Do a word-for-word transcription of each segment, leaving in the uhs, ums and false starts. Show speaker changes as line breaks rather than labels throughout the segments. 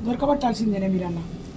దొరకబట్టాల్సిందేనే మీరన్న.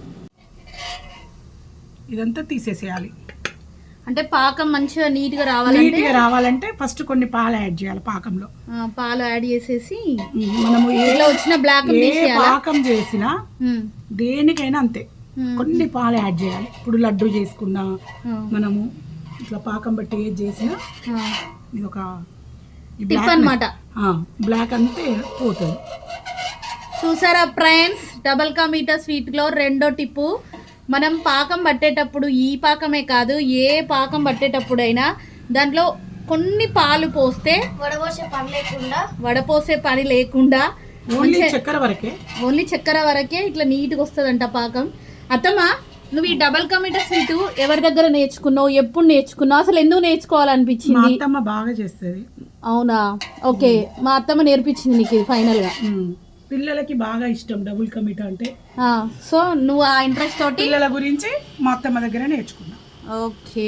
ఇదంతా తీసేసేయాలి.
అంటే పాకం మంచిగా నీట్గా రావాలంటే
నీట్గా రావాలంటే ఫస్ట్ కొన్ని పాలు యాడ్ చేయాలి పాకంలో.
పాలు యాడ్ చేసేసి
మనము
ఇలా వచ్చిన బ్లాక్
పాకం చేసినా దేనికైనా అంతే కొన్ని పాలు యాడ్ చేయాలి. ఇప్పుడు లడ్డు చేసుకున్నా మనము ఇట్లా పాకం బట్టి ఏది చేసినా ఇది ఒక
టిప్ అన్నమాట.
బ్లాక్ అంతే పోతుంది.
చూసారా ఫ్రెండ్స్, డబల్ కా మీఠా స్వీట్లో రెండో టిప్పు, మనం పాకం పట్టేటప్పుడు ఈ పాకమే కాదు ఏ పాకం పట్టేటప్పుడైనా దాంట్లో కొన్ని పాలు పోస్తే
వడపోసే పని లేకుండా
వడపోసే పని లేకుండా
ఓన్లీ చక్కెర వరకే
ఓన్లీ చక్కెర వరకే ఇట్లా నీట్గా వస్తుందంట పాకం. అత్తమ్మా, నువ్వు ఈ డబల్ కా మీఠా స్వీట్ ఎవరి దగ్గర నేర్చుకున్నావు, ఎప్పుడు నేర్చుకున్నావు, అసలు ఎందుకు నేర్చుకోవాలనిపించింది?
అత్తమ్మ బాగా చేస్తుంది.
అవునా? ఓకే, మా అత్తమ్మ నేర్పించింది నీకు ఫైనల్ గా.
పిల్లలకి బాగా ఇష్టం డబుల్ కా మీఠా అంటే.
సో నువ్వు ఆ ఇంట్రెస్ట్ తోటి
పిల్లల గురించి మా అత్తమ్మ దగ్గర నేర్చుకున్నా. ఓకే,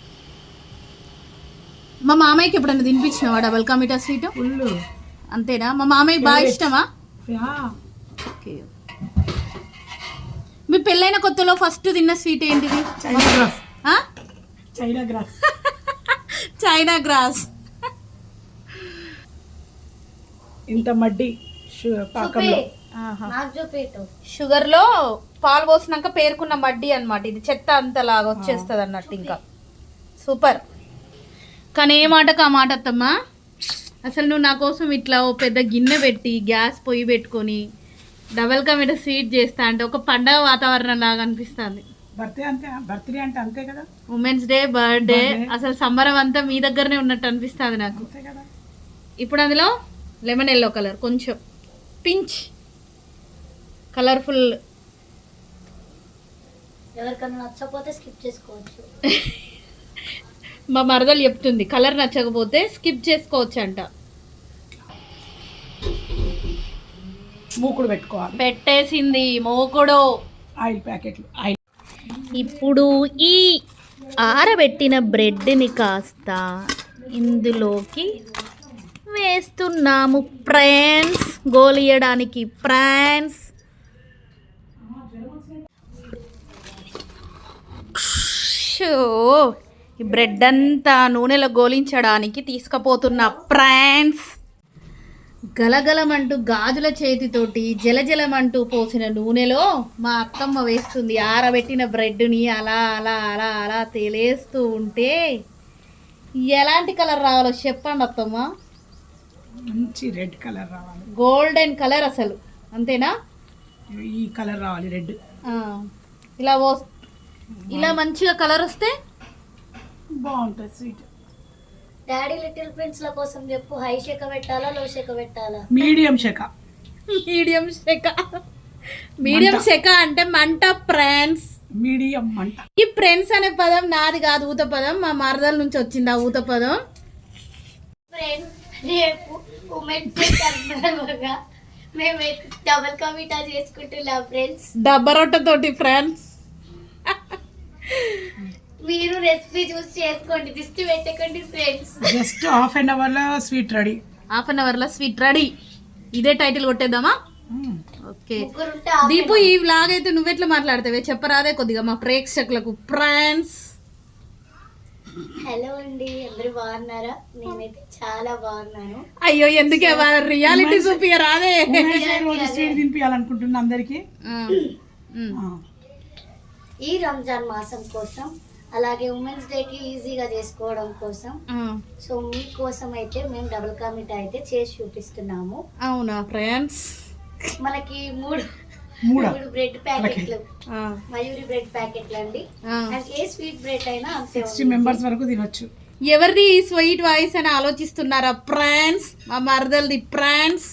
మా మామయ్యకి ఎప్పుడైనా తినిపించినావా డబల్ కా మీఠా స్వీట్?
ఫుల్.
అంతేనా? మా మామయ్యకి బాగా ఇష్టమా? ఓకే. మీ పెళ్ళైన కొత్తలో ఫస్ట్ తిన్న స్వీట్ ఏంటిది?
China grass. China grass
China grass.
ఇంత మడ్డి పాకంలో
షుగర్ లో పాలు పోసినాక పేరుకున్న మడ్డి అన్నమాట. ఇది చెత్త అంతలాగా వచ్చేస్తుంది అన్నట్టు. ఇంకా సూపర్. కానీ ఏ మాటకు ఆ మాట అత్తమ్మా, అసలు నువ్వు నా కోసం ఇట్లా ఓ పెద్ద గిన్నె పెట్టి గ్యాస్ పొయ్యి పెట్టుకొని డబల్ కా మీఠా స్వీట్ చేస్తా అంటే ఒక పండగ వాతావరణం లాగా అనిపిస్తుంది.
బర్త్డే అంటే బర్త్డే అంటే అంతే కదా,
ఉమెన్స్ డే, బర్త్డే, అసలు సంబరం అంతా మీ దగ్గరనే ఉన్నట్టు అనిపిస్తుంది నాకు. ఇప్పుడు అందులో లెమన్ ఎల్లో కలర్, కొంచెం పించ్ కలర్ఫుల్.
ఎవరికైనా నచ్చకపోతే స్కిప్ చేసుకోవచ్చు.
మా మరదలు చెప్తుంది కలర్ నచ్చకపోతే స్కిప్ చేసుకోవచ్చు అంట.
మూకుడు పెట్టుకోవాలి.
పెట్టేసింది మూకుడు.
ఆయిల్ ప్యాకెట్లు. ఆయిల్.
ఇప్పుడు ఈ ఆరబెట్టిన బ్రెడ్ని కాస్త ఇందులోకి వేస్తున్నాము ఫ్రెండ్స్, గోలియడానికి ఫ్రెండ్స్. ఈ బ్రెడ్ అంతా నూనెలో గోలించడానికి తీసుకుపోతున్న ఫ్రెండ్స్. గలగలమంటూ గాజుల చేతితోటి జలజలమంటూ పోసిన నూనెలో మా అత్తమ్మ వేస్తుంది ఆరబెట్టిన బ్రెడ్ని. అలా అలా అలా అలా తేలేస్తూ ఉంటే ఎలాంటి కలర్ రావాలో చెప్పండి అత్తమ్మ.
మంచి రెడ్ కలర్ రావాలి,
గోల్డెన్ కలర్ అసలు. అంతేనా?
ఈ కలర్ రావాలి, రెడ్.
ఇలా పో ఇలా మంచిగా కలర్ వస్తే
బాగుంటుంది స్వీట్.
డాడీ లిటిల్ ప్రిన్స్ ల కోసం చెప్పు, హై శేక పెట్టాలా లో శేక పెట్టాలా?
మీడియం శేక.
మీడియం శేక. మీడియం శేక అంటే మంట ఫ్రెండ్స్.
మీడియం మంట.
ఈ ఫ్రెండ్స్ అనే పదం నాది కాదు, ఊత పదం. మా మరదల నుంచి వచ్చింది ఆ ఊత పదం.
ఫ్రెండ్స్, రేపు ఉమెన్స్ డే సందర్భంగా మేము డబల్ కా మీఠా చేసుకుంటున్నాం ఫ్రెండ్స్.
డబ్బా రొట్టెతోటి ఫ్రెండ్స్.
మీరు రెసిపీ చూసి చేసుకోండి, దిష్టి పెట్టకండి friends.
Just half an hour లో sweet ready.
Half an hour లో స్వీట్ రెడీ. ఇదే టైటిల్ కొట్టేద్దామా? ఓకే దీపు, ఈ వ్లాగ్ అయితే నువ్వెట్లా మాట్లాడతావే చెప్పరాదే కొద్దిగా మా ప్రేక్షకులకు ఫ్రెండ్స్.
హలో అండి, అందరూ బాగున్నారా? నేనైతే చాలా బాగున్నాను.
అయ్యో ఎందుకే రియాలిటీ చూపియరా? అదే
స్వీట్ తినిపించాలనుకుంటున్నా అందరికి.
ఈ రంజాన్ మాసం కోసం, అలాగే ఉమెన్స్ డే కి ఈజీగా చేసుకోవడం కోసం, సో మీకోసం అయితే మేము డబుల్ కా మీఠా అయితే చేసి చూపిస్తున్నాము.
అవునా ఫ్రెండ్స్?
మనకి మూడు మూడు బ్రెడ్ ప్యాకెట్లు, మయూరి బ్రెడ్ ప్యాకెట్లు అండి. ఏ స్వీట్ బ్రెడ్ అయినా
సిక్స్టీ మెంబర్స్ వరకు తినొచ్చు.
ఎవరిది ఈ స్వీట్ వాయిస్ అని ఆలోచిస్తున్నారా ఫ్రెండ్స్? మా మరదల్ది ఫ్రెండ్స్.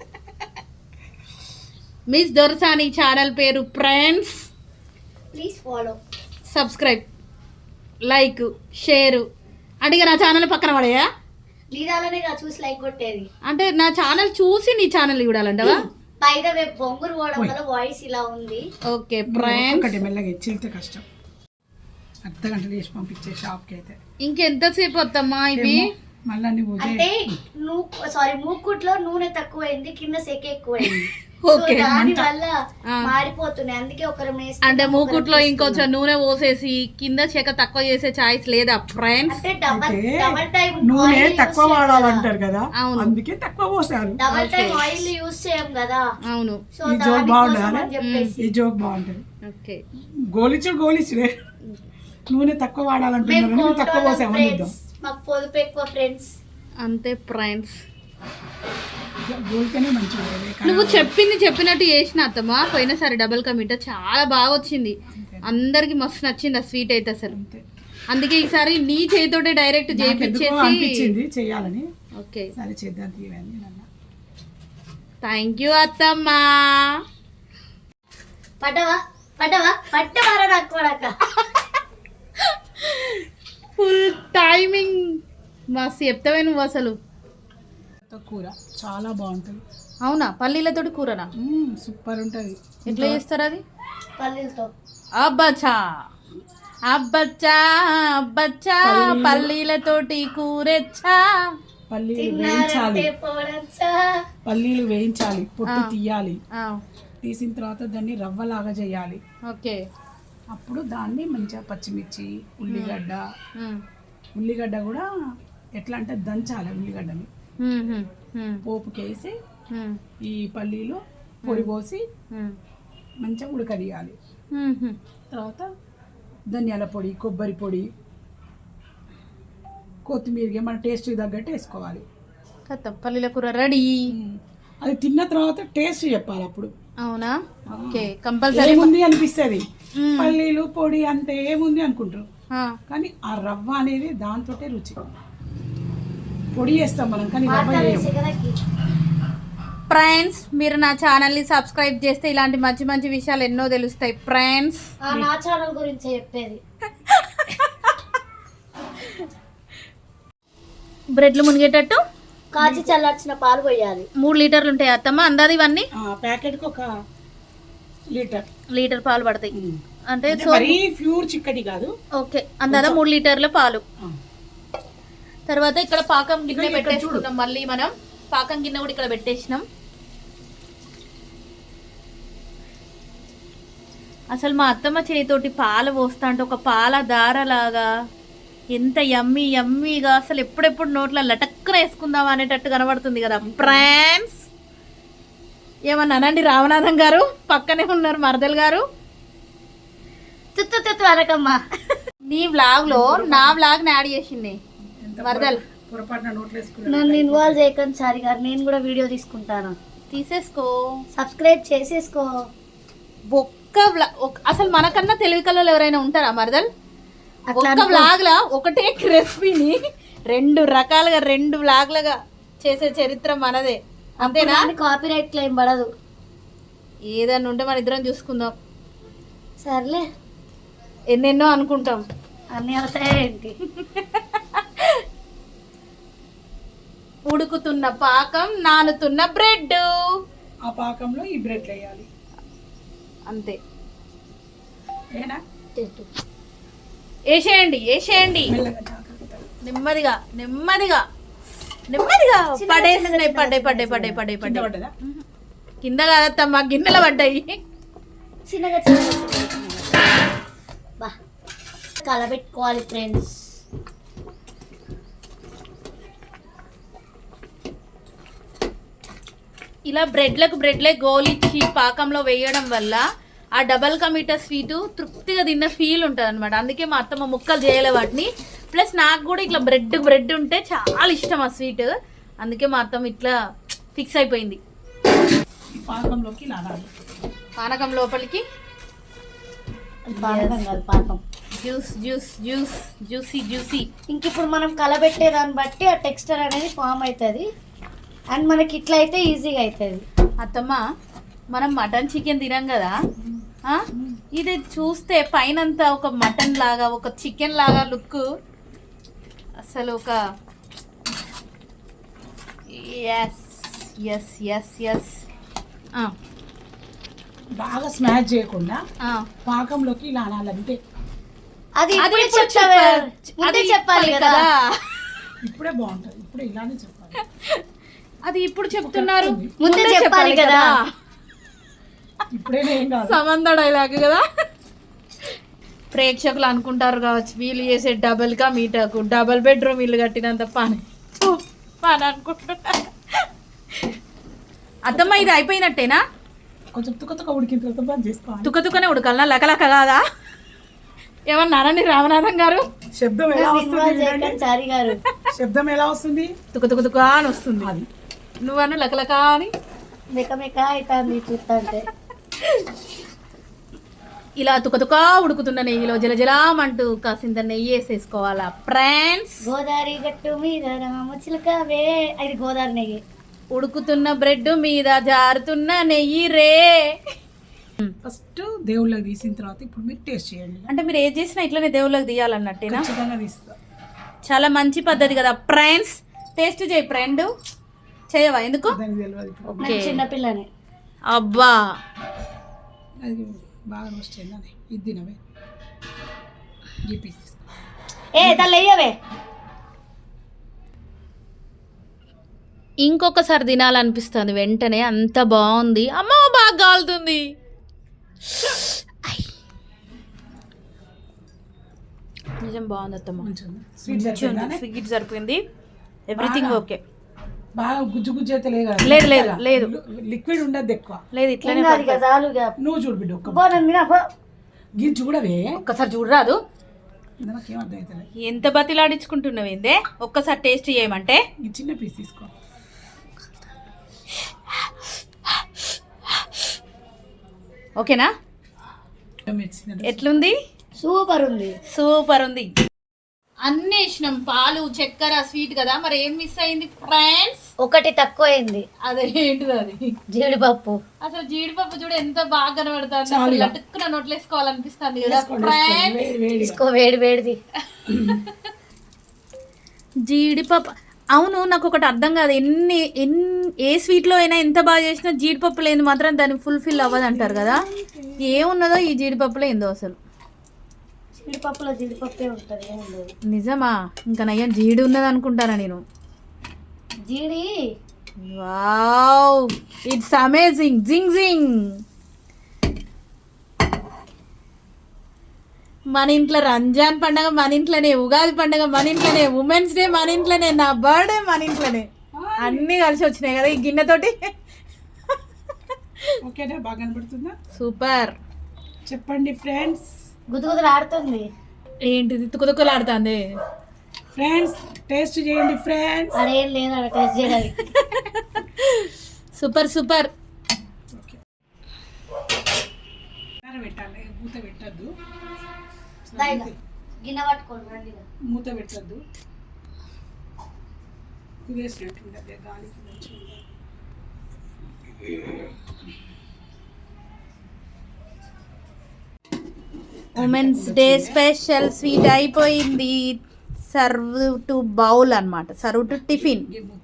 మిస్ దొరసాని ఛానల్ పేరు friends.
Please follow,
subscribe, like, share. అంటే నా ఛానల్ పక్కన పడేయా?
నీ దానిలోనే చూసి లైక్ కొట్టేది.
అంటే నా ఛానల్ చూసి నీ ఛానల్ చూడాలంటవా?
బై ద వే, బొంగురు పోవడం వల్ల వాయిస్ ఇలా ఉంది.
ఓకే ఫ్రెండ్స్,
ఒకటి మెల్లగా ఇచ్చితే కష్టం. అర్ధ గంట చేసి పంపించే షాప్ కి అయితే
ఇంకెంతసేపు వద్దమ్మా ఇవి?
మళ్ళీ అంటే నువ్వు సారీ మూకుట్లో నూనె తక్కువైంది, కింద సెక ఎక్కువైంది.
ఓకే
దాని వల్ల మాడిపోతున్నాయి, అందుకే ఒకరు
అంటే మూకుట్లో ఇంకొంచెం నూనె పోసేసి కింద చెక్క తక్కువ చేసే ఛాయిస్ లేదా ఫ్రెండ్స్?
అంటే డబల్ డబల్ టైం
నూనె తక్కువ వాడాలంటారు కదా, అందుకే తక్కువ పోసారు.
డబల్ టైం ఆయిల్ యూస్ చేయం కదా.
అవును.
సో
ఈ జోక్ బాగుంటుంది,
చెప్పేసి
ఈ జోక్ బాగుంటుంది.
ఓకే
గోలిచు గోలిచులే, నూనె తక్కువ వాడాలంటున్నారు, నూనె తక్కువ పోసాము అనిద్దాం.
మాకు పొదుపు ఎక్కువ ఫ్రెండ్స్.
అంతే ఫ్రెండ్స్.
గోల్తేనే మంచిగా ఉంటుంది.
నువ్వు చెప్పింది చెప్పినట్టు చేసిన అత్తమ్మా. పోయినసారి డబల్ కా మీఠా చాలా బాగా వచ్చింది, అందరికి మస్తు నచ్చింది ఆ స్వీట్ అయితే అసలు. అందుకే ఈసారి నీ చేతితోటే డైరెక్ట్ చేయించేసి
అనిపించింది చేయాలని.
ఓకే
సరే చేద్దాం తీయండి.
థ్యాంక్ యూ అత్తమ్మా.
పడవా పడవా పట్టవారా నాకు
ఫుల్ టైమింగ్ మస్తు చెప్తావే నువ్వు అసలు.
కూర చాలా బాగుంటుంది.
అవునా? పల్లీలతోటి కూరనా?
సూపర్ ఉంటుంది.
ఎట్లా చేస్తారు అది?
పల్లీలతో.
అబ్బచ్చా అబ్బచ్చా అబ్బచ్చా పల్లీలతోటి కూరెచ్చా.
పల్లీలు వేయించాలి, పల్లీలు వేయించాలి, పొట్టు తీయాలి, తీసిన తర్వాత దాన్ని రవ్వలాగా చేయాలి.
ఓకే.
అప్పుడు దాన్ని మంచిగా పచ్చిమిర్చి, ఉల్లిగడ్డ, ఉల్లిగడ్డ కూడా ఎట్లా అంటే దంచాలి. ఉల్లిగడ్డని పోపుకేసి ఈ పల్లీలు పొడి పోసి మంచిగా ఉడకదీయాలి. తర్వాత ధనియాల పొడి, కొబ్బరి పొడి, కొత్తిమీర మన టేస్ట్ తగ్గట్టు వేసుకోవాలి.
కథ పల్లీల కూర రెడీ.
అది తిన్న తర్వాత టేస్ట్ చెప్పాలి అప్పుడు.
అవునా? ఓకే. కంపల్సరీ
ఏముంది అనిపిస్తుంది, పల్లీలు పొడి అంతే ఏముంది అనుకుంటారు, కానీ ఆ రవ్వ అనేది దాంతో రుచి. పొడి చేస్తాం మనం కానీ రవ్వ వేయం.
ఫ్రెండ్స్ మీరు నా ఛానల్ని సబ్స్క్రైబ్ చేస్తే ఇలాంటి మంచి మంచి విషయాలు ఎన్నో తెలుస్తాయి ఫ్రెండ్స్.
నా ఛానల్ గురించి చెప్పేది.
బ్రెడ్లు మునిగేటట్టు
కాచి చల్లార్చిన పాలు పోయాలి.
మూడు లీటర్లు ఉంటాయి అత్తమ్మ అందాది ఇవన్నీ?
ప్యాకెట్కి ఒక లీటర్
లీటర్ పాలు పడతాయి అంటే
ప్యూర్ చిక్కటి కాదు.
ఓకే. అందాదా మూడు లీటర్ల పాలు. తర్వాత ఇక్కడ పాకం గిన్నె పెట్టేసుకున్నాం. మళ్ళీ మనం పాకం గిన్నె కూడా ఇక్కడ పెట్టేసినాం. అసలు మా అత్తమ్మ చేతితోటి పాలు పోస్తా అంటే ఒక పాల దారలాగా ఎంత యమ్మీ యమ్మీగా, అసలు ఎప్పుడెప్పుడు నోట్లో లటక్కున వేసుకుందాం అనేటట్టు కనబడుతుంది కదా ఫ్రెండ్స్. ఏమన్నా అనండి రామనాథం గారు, పక్కనే ఉన్నారు మరదల్ గారు.
తుత్తు తుత్తు అనకమ్మా.
నీ వ్లాగ్ లో నా వ్లాగ్ ని యాడ్ చేసింది మరదల్.
నన్ను ఇన్వాల్వ్ చేయకండి సారీ గారు, నేను కూడా వీడియో తీసుకుంటాను.
తీసేసుకో,
సబ్స్క్రైబ్ చేసేసుకో.
ఒక్క అసలు మనకన్నా తెలివి కళ్ళు ఎవరైనా ఉంటారా మరదల్? ఒక్క వ్లాగ్ లా ఒకటే రెసిపీని రెండు రకాలుగా రెండు వ్లాగ్లుగా చేసే చరిత్ర మనదే, అంతేనా?
కాపీరైట్ క్లెయిమ్ పడదు.
ఏదన్నా ఉంటే మన ఇద్దరం చూసుకుందాం.
సర్లే,
ఎన్నెన్నో అనుకుంటాం,
అన్నీ అవుతాయేంటి.
ఉడుకుతున్న పాకం, నానుతున్న బ్రెడ్.
ఆ పాకంలో ఈ బ్రెడ్ వేయాలి
అంతే.
ఏనా
వేసేయండి వేసేయండి నెమ్మదిగా నెమ్మదిగా నెమ్మదిగా. పడేసినాయి, పడ్డాయి పడ్డాయి పడ్డాయి పడ్డాయి పడ్డాయి. కింద కాదత్తమ్మా గిన్నెలు పడ్డాయి.
చిన్నగా చిన్నగా బా కలబెట్టుకోవాలి ఫ్రెండ్స్.
ఇలా బ్రెడ్లకు బ్రెడ్లే గోలిచ్చి పాకంలో వేయడం వల్ల ఆ డబల్ కా మీఠా స్వీటు తృప్తిగా తిన్న ఫీల్ ఉంటుంది అనమాట. అందుకే మా అత్తమ్మ ముక్కలు చేయలే వాటిని. ప్లస్ నాకు కూడా ఇట్లా బ్రెడ్ బ్రెడ్ ఉంటే చాలా ఇష్టం ఆ స్వీట్, అందుకే మా అత్తమ్మ ఇట్లా ఫిక్స్ అయిపోయింది.
పాకంలోకి లాగాలి,
పానకం లోపలికి
పాకం
juice juice juice juicy juicy.
ఇంక ఇప్పుడు మనం కలబెట్టే దాన్ని బట్టి ఆ టెక్స్చర్ అనేది ఫామ్ అవుతుంది అండ్ మనకి ఇట్లా అయితే ఈజీగా అవుతుంది.
అత్తమ్మ మనం మటన్ చికెన్ తినాం కదా, ఇది చూస్తే పైనంతా ఒక మటన్ లాగా ఒక చికెన్ లాగా లుక్, అసలు ఒక ఎస్ ఎస్ ఎస్ ఎస్.
బాగా స్మాష్ చేయకుండా పాకంలోకి ఇలా అనాలంటే
అది ఇప్పుడే చెప్పాలి కదా.
ఇప్పుడే బాగుంటుంది, ఇప్పుడే ఇలానే చెప్పాలి.
అది ఇప్పుడు చెప్తున్నారు,
ముందే చెప్పాలి కదా.
ఇప్పుడైనా ఏం కాదు.
సమంత డైలాగ్ కదా. ప్రేక్షకులు అనుకుంటారు కావచ్చు వీళ్ళు చేసే డబుల్ గా మీటకు డబుల్ బెడ్రూమ్ ఇల్లు కట్టినంత పని పని అనుకుంటున్నారు. అత్తమ్మ ఇది అయిపోయినట్టేనా?
కొంచెం తుక్క తుక్క ఉడికిన తర్వాత బంద్ చేసుకోవాలి.
తుక్క తుక్కనే ఉడకాలనా లకలక కాదా? ఏమన్నారండి రామనాథం గారు?
శబ్దం ఎలా వస్తుంది వినండి.
చారి గారు
శబ్దం ఎలా వస్తుంది?
తుక తుక తుక అని వస్తుంది.
అది
నువ్వను లకలక అని
మెక మెక అవుతుంది చూస్తా అంటే.
ఇలా తుక తుక ఉడుకుతున్న నెయ్యిలో జలజలామంటూ కాసింత నెయ్యి వేసేసుకోవాలా ఫ్రెండ్స్.
గోదావరి గట్టు మీద రామ చిలకవే, అది గోదావరి నెయ్యి.
ఉడుకుతున్న బ్రెడ్ మీద జారుతున్న నెయ్యి రే.
ఫస్ట్ దేవుళ్ళకి తీసిన తర్వాత ఇప్పుడు మీరు టేస్ట్ చేయండి.
అంటే మీరు ఏది చేసినా ఇట్లనే దేవుళ్ళకి తీయాలన్నట్టేనా?
ఖచ్చితంగా తీస్తా.
చాలా మంచి పద్ధతి కదా ఫ్రెండ్స్. టేస్ట్ చేయి ఫ్రెండ్. చేయవా? ఎందుకు?
దానికి తెలియదు ఇప్పుడు.
ఓకే.
చిన్నపిల్లని
అబ్బా
అది బాగా రోస్ట్ అయిందని ఇది తినవే. ఈ పీస్ తీసుకో.
ఏ తల్లి అయ్యవే.
ఇంకొకసారి తినాలనిపిస్తుంది వెంటనే, అంత బాగుంది. అమ్మో బాగా కాలుతుంది. నిజం బాగుంది అత్తమ్మ.
మంచిగా ఉంది. స్వీట్ సరిపోయిందా?
స్వీట్ సరిపోయింది. Everything okay.
బాగా గుజ్జు గుజ్జు అయితే లేదు కదా?
లేదు లేదు లేదు
లిక్విడ్ ఉండదు ఎక్కువ.
లేదు ఇట్లనే
ఇంకా అది కదా చాలుగా.
నువ్వు చూడు బిడ్డ ఒక్క
పో నన్ను తినా, పో.
గిన్నె చూడవే.
ఒక్కసారి చూడరాదు.
నాకేం అర్థం అవుతుంది.
ఎంత బతిలాడించుకుంటున్నావు ఏందే? ఒక్కసారి టేస్ట్ చేయమంటే.
ఈ చిన్న పీస్ తీసుకో.
ఓకేనా?
మెచ్చింది.
ఎట్లుంది?
సూపర్ ఉంది.
సూపర్ ఉంది. అన్నీ వేసినాం, పాలు చక్కెర స్వీట్ కదా, మరి ఏం మిస్ అయింది ఫ్రెండ్స్?
ఒకటి తక్కువ అయింది,
అదే ఏంటిది అది?
జీడిపప్పు.
అసలు జీడిపప్పు చూడు ఎంత బాగా కనబడుతుంది.
చాలు
అసలు
ఇక.
లటుక్కున నోట్లేసుకోవాలనిపిస్తుంది కదా
వేసుకోండి,
ఫ్రెండ్స్.
వేడి వేడిగా.
తీసుకో వేడి వేడిది.
జీడిపప్పు. అవును, నాకు ఒకటి అర్థం కాదు. ఎన్ని ఎన్ని ఏ స్వీట్లో అయినా ఎంత బాగా చేసినా జీడిపప్పు లేని మాత్రం దాన్ని ఫుల్ఫిల్ అవ్వదు అంటారు కదా. ఏమున్నదో ఈ జీడిపప్పులో ఏందో అసలు.
జీడిపప్పులో జీడిపప్పే ఉంటుంది, ఏముండదు.
నిజమా? ఇంకా నయ్యం జీడి ఉన్నది అనుకుంటారా నేను.
జీడి
వావ్, ఇట్స్ అమేజింగ్. జింగ్ జింగ్. మన ఇంట్లో రంజాన్ పండగ మన ఇంట్లోనే, ఉగాది పండగ మన ఇంట్లోనే, ఉమెన్స్ డే మన ఇంట్లోనే, నా బర్త్డే మన ఇంట్లోనే, అన్నీ కలిసి వచ్చినాయి కదా ఈ గిన్నెతోటి.
ఓకేనా? బాగా కనబడుతుందా?
సూపర్.
చెప్పండి ఫ్రెండ్స్.
గుదుగుదులు ఆడుతుంది.
ఏంటిది తుకుతుకులాడుతుంది?
ఫ్రెండ్స్ టేస్ట్ చేయండి ఫ్రెండ్స్.
అదేం లేదు అక్కడ టెస్ట్ చేయడానికి.
Super super.
ఓకే, పెట్టాలి. మూత పెట్టద్దు,
గిన్నె పట్టుకోండి రండి.
మూత పెట్టద్దు. కుదేసినట్టు అదే గాలికి మంచిగా.
ఉమెన్స్ డే స్పెషల్ స్వీట్ అయిపోయింది. సర్వ్ టు బౌల్ అన్నమాట, సర్వ్ టు టిఫిన్.
ఈ మూత